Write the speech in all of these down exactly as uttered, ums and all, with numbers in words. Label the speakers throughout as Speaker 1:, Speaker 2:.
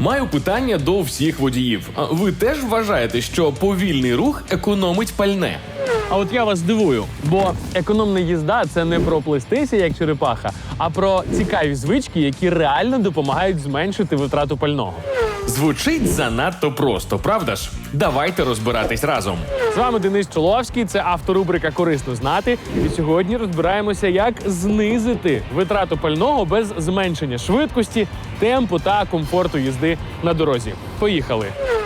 Speaker 1: Маю питання до всіх водіїв. А ви теж вважаєте, що повільний рух економить пальне?
Speaker 2: А от я вас здивую, бо економна їзда – це не про плестися, як черепаха, а про цікаві звички, які реально допомагають зменшити витрату пального.
Speaker 1: Звучить занадто просто, правда ж? Давайте розбиратись разом.
Speaker 2: З вами Денис Чоловський, це авторубрика «Корисно знати». І сьогодні розбираємося, як знизити витрату пального без зменшення швидкості, темпу та комфорту їзди на дорозі. Поїхали!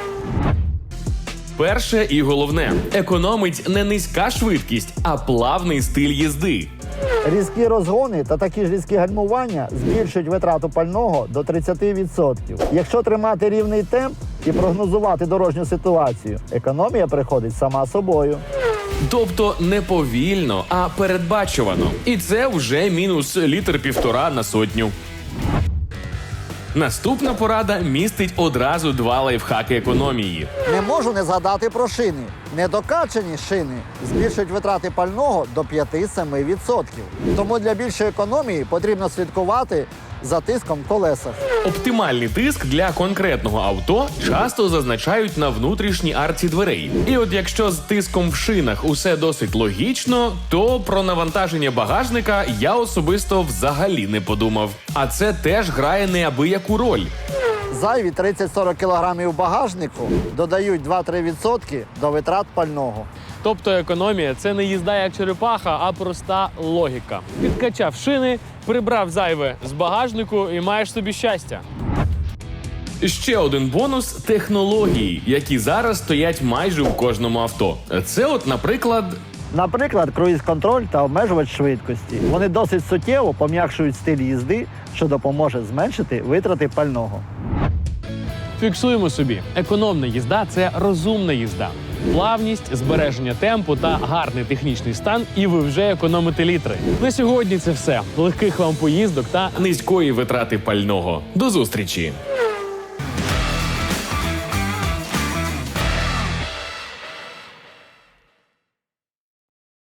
Speaker 1: Перше і головне – економить не низька швидкість, а плавний стиль їзди.
Speaker 3: Різкі розгони та такі ж різкі гальмування збільшують витрату пального до тридцяти відсотків. Якщо тримати рівний темп і прогнозувати дорожню ситуацію, економія приходить сама собою.
Speaker 1: Тобто не повільно, а передбачувано. І це вже мінус літр-півтора на сотню. Наступна порада містить одразу два лайфхаки економії.
Speaker 3: Не можу не згадати про шини. Недокачані шини збільшують витрати пального до п'яти-семи відсотків. Тому для більшої економії потрібно слідкувати за тиском в колесах.
Speaker 1: Оптимальний тиск для конкретного авто часто зазначають на внутрішній арці дверей. І от якщо з тиском в шинах усе досить логічно, то про навантаження багажника я особисто взагалі не подумав. А це теж грає неабияку роль.
Speaker 3: Зайві тридцять-сорок кілограмів багажнику додають два-три відсотки до витрат пального.
Speaker 2: Тобто економія – це не їзда як черепаха, а проста логіка. Підкачав шини, прибрав зайве з багажнику і маєш собі щастя.
Speaker 1: Ще один бонус – технології, які зараз стоять майже у кожному авто. Це от, наприклад...
Speaker 3: Наприклад, круїз-контроль та обмежувач швидкості. Вони досить суттєво пом'якшують стиль їзди, що допоможе зменшити витрати пального.
Speaker 2: Фіксуємо собі. Економна їзда – це розумна їзда. Плавність, збереження темпу та гарний технічний стан, і ви вже економите літри. На сьогодні це все. Легких вам поїздок та
Speaker 1: низької витрати пального. До зустрічі!